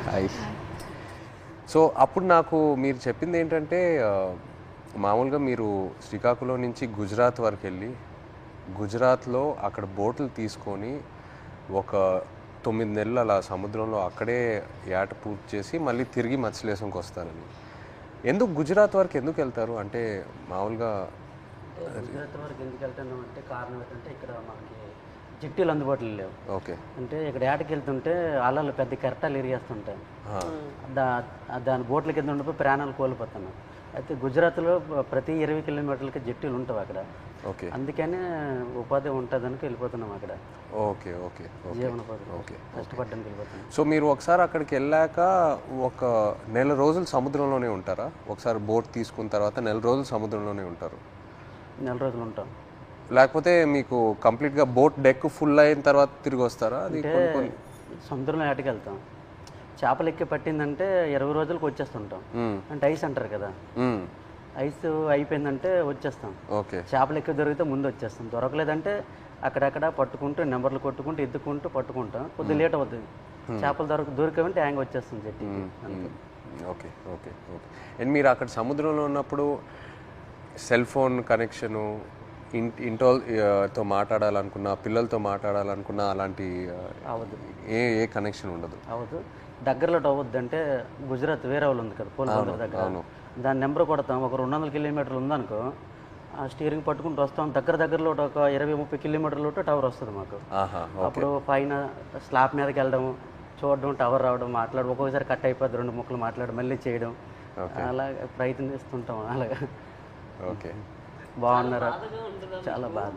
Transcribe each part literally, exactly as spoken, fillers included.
Hi. So అప్పుడు నాకు మీరు చెప్పింది ఏంటంటే మామూలుగా మీరు శ్రీకాకుళం నుంచి గుజరాత్ వరకు వెళ్ళి గుజరాత్లో అక్కడ బోట్లు తీసుకొని ఒక తొమ్మిది నెలలు అలా సముద్రంలో అక్కడే ఏట పూర్తి చేసి మళ్ళీ తిరిగి మత్స్యలేశంకి వస్తారని. ఎందుకు గుజరాత్ వరకు ఎందుకు వెళ్తారు? అంటే మామూలుగా గుజరాత్ వరకు ఎందుకు వెళ్తున్నాం అంటే కారణం ఏంటంటే ఇక్కడ మనకి జట్టీలు అందుబాటులో లేవు. ఓకే. అంటే ఇక్కడ ఏటకి వెళ్తుంటే అలలు పెద్ద కెరటాలు ఎరిగేస్తుంటాయి. దా దాని బోట్ల కింద ఉండిపోయి ప్రాణాలు కోల్పోతున్నాం. అయితే గుజరాత్లో ప్రతి ఇరవై కిలోమీటర్లకి జట్టీలు ఉంటాయి అక్కడ. ఓకే. అందుకనే ఉపాధి ఉంటుందని వెళ్ళిపోతున్నాం అక్కడ. ఓకే ఓకే జీవనోపాధి ఓకే కష్టపడడానికి వెళ్ళిపోతున్నాం. సో మీరు ఒకసారి అక్కడికి వెళ్ళాక ఒక నెల రోజులు సముద్రంలోనే ఉంటారా? ఒకసారి బోట్ తీసుకున్న తర్వాత నెల రోజులు సముద్రంలోనే ఉంటారు? నెల రోజులు ఉంటాం. లేకపోతే మీకు కంప్లీట్గా బోట్ డెక్ ఫుల్ అయిన తర్వాత తిరిగి వస్తారా? అది సముద్రంలో ఏటకి వెళ్తాం. చేపలు ఎక్కి పట్టిందంటే ఇరవై రోజులకు వచ్చేస్తుంటాం. అంటే ఐస్ అంటారు కదా, ఐస్ అయిపోయిందంటే వచ్చేస్తాం. ఓకే. చేపలు ఎక్కువ దొరికితే ముందు వచ్చేస్తాం. దొరకలేదంటే అక్కడక్కడ పట్టుకుంటూ నెంబర్లు కొట్టుకుంటూ ఎత్తుకుంటూ పట్టుకుంటాం. కొద్దిగా లేట్ అవుతుంది. చేపలు దొరక దొరికామంటే హ్యాంగ్ వచ్చేస్తుంది చెట్టు. Okay okay okay. అండ్ మీరు అక్కడ సముద్రంలో ఉన్నప్పుడు సెల్ ఫోన్ కనెక్షను, ఇంటి ఇంటోతో మాట్లాడాలనుకున్నా, పిల్లలతో మాట్లాడాలనుకున్నా అలాంటి అవ్వదు. ఏ ఏ కనెక్షన్ ఉండదు? అవ్వదు. దగ్గరలో అవ్వద్దు. అంటే గుజరాత్ వేరే వాళ్ళు ఉంది కదా పోలీసు దగ్గర, దాని నెంబర్ కొడతాం. ఒక రెండు వందల కిలోమీటర్లు ఉందనుకో, ఆ స్టీరింగ్ పట్టుకుంటూ వస్తాం. దగ్గర దగ్గరలో ఒక ఇరవై ముప్పై కిలోమీటర్లు టవర్ వస్తుంది మాకు. అప్పుడు పైన స్లాబ్ మీదకి వెళ్ళడం, చూడడం, టవర్ రావడం, మాట్లాడడం. ఒక్కొక్కసారి కట్ అయిపోద్ది, రెండు ముక్కలు మాట్లాడడం, మళ్ళీ చేయడం, అలా ప్రయత్నిస్తుంటాం. అలాగా. ఓకే. బాగున్నారా? చాలా బాధ.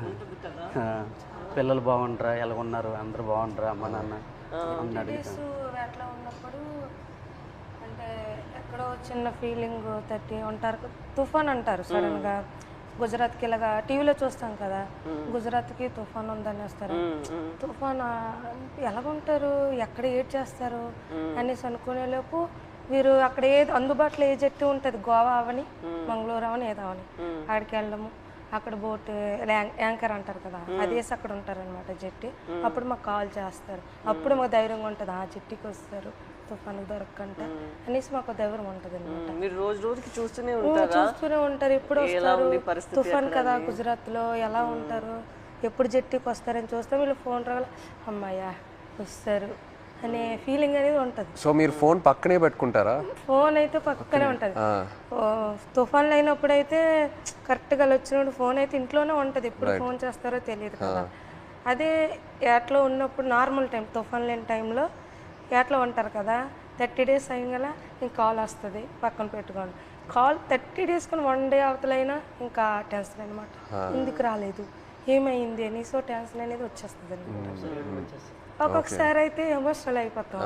పిల్లలు బాగుంటారా, ఎలా ఉన్నారు, అందరు బాగుంటారా, అమ్మ నాన్న అన్నాడు. అట్లా ఉన్నప్పుడు అంటే ఎక్కడో చిన్న ఫీలింగ్ తట్టి ఉంటారు. తుఫాన్ అంటారు సడన్గా. గుజరాత్కి ఇలాగా టీవీలో చూస్తాం కదా, గుజరాత్కి తుఫాన్ ఉందని వస్తారు. తుఫాన్ ఎలాగుంటారు, ఎక్కడ ఏడ్ చేస్తారు అనేసి అనుకునేలోపు వీరు అక్కడ ఏది అందుబాటులో ఏ జట్టు ఉంటుంది, గోవా అవని మంగళూరు అవని ఏదో అవని, అక్కడికి వెళ్ళడము. అక్కడ బోట్ యాంకర్ అంటారు కదా, అదేసి అక్కడ ఉంటారనమాట జట్టి. అప్పుడు మాకు కాల్ చేస్తారు. అప్పుడు మాకు ధైర్యంగా ఉంటుంది, ఆ జట్టికి వస్తారు తుఫాను దొరకంట అనేసి మాకు ధైర్యం ఉంటుంది అనమాట. రోజు రోజుకి చూస్తూనే ఉంటారు చూస్తూనే ఉంటారు ఎప్పుడు వస్తారు తుఫాన్ కదా గుజరాత్ లో, ఎలా ఉంటారు, ఎప్పుడు జట్టికి వస్తారని చూస్తాం. వీళ్ళు ఫోన్ రాగల అమ్మాయ్యా వస్తారు అనే ఫీలింగ్ అనేది ఉంటుంది. సో మీరు ఫోన్ పక్కనే పెట్టుకుంటారా? ఫోన్ అయితే పక్కనే ఉంటుంది. తుఫాన్లు అయినప్పుడు అయితే కరెక్ట్గా వచ్చినప్పుడు ఫోన్ అయితే ఇంట్లోనే ఉంటుంది. ఎప్పుడు ఫోన్ చేస్తారో తెలియదు కదా. అదే ఏట్లో ఉన్నప్పుడు నార్మల్ టైం, తుఫాన్ లేని టైంలో ఏట్లో ఉంటారు కదా, థర్టీ డేస్ అయ్యగల ఇంక కాల్ వస్తుంది, పక్కన పెట్టుకోండి. కాల్ థర్టీ డేస్ కానీ వన్ డే అవతలైనా ఇంకా టెన్షన్ అనమాట. ఎందుకు రాలేదు, ఏమైంది అని. సో టెన్షన్ అనేది వచ్చేస్తుంది అనమాట. ఒక్కొక్కసారి అయితే ఎమోషనల్ అయిపోతాం.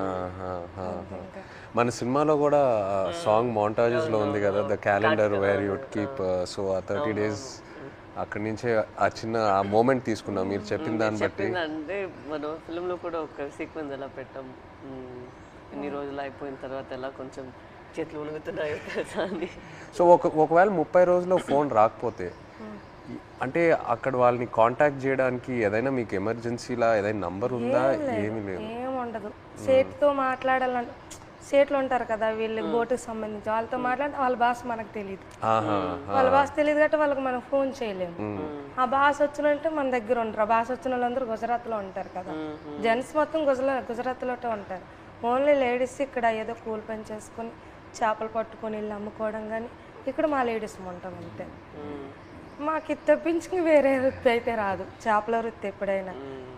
మన సినిమాలో కూడా సాంగ్ మౌంటాజెస్ లో ఉంది కదా, the calendar where you keep. So ఆ థర్టీ డేస్ అక్కడి నుంచే ఆ చిన్న ఆ మూమెంట్ తీసుకున్నాం మీరు చెప్పిన దాన్ని బట్టి. అంటే మనం ఫిల్మ్ లో కూడా ఒక సీక్వెన్స్ ఎలా పెట్టాం, ఎన్ని రోజులు అయిపోయిన తర్వాత ఎలా కొంచెం చేతులు ఉణుగుతున్నాయో తెలుసా అని. సో ఒక ఒకవేళ ముప్పై రోజుల్లో ఫోన్ రాకపోతే అంటే అక్కడ వాళ్ళని కాంటాక్ట్ చేయడానికి ఏదైనా మీకు ఎమర్జెన్సీలా ఏదైనా నంబర్ ఉందా? ఏమీ లేదు, ఏముండదు. సేట్తో మాట్లాడాలని, సేట్లు ఉంటారు కదా వీళ్ళు బోటుకి సంబంధించి, వాళ్ళతో మాట్లాడి వాళ్ళ భాష మనకు తెలియదు. వాళ్ళ భాష తెలియదు కాబట్టి వాళ్ళకి మనం ఫోన్ చేయలేము. ఆ భాష వచ్చినంటే మన దగ్గర ఉంటారు. ఆ భాష వచ్చిన వాళ్ళందరూ గుజరాత్లో ఉంటారు కదా, జెంట్స్ మొత్తం గుజరా గుజరాత్లో ఉంటారు. ఓన్లీ లేడీస్ ఇక్కడ ఏదో కూలి పని చేసుకొని చేపలు పట్టుకొని వెళ్ళి అమ్ముకోవడం, కానీ ఇక్కడ మా లేడీస్ ఉంటాం అంతే. మాకు తప్పించుకుని వేరే వృత్తి అయితే రాదు, చేపల వృత్తి ఎప్పుడైనా.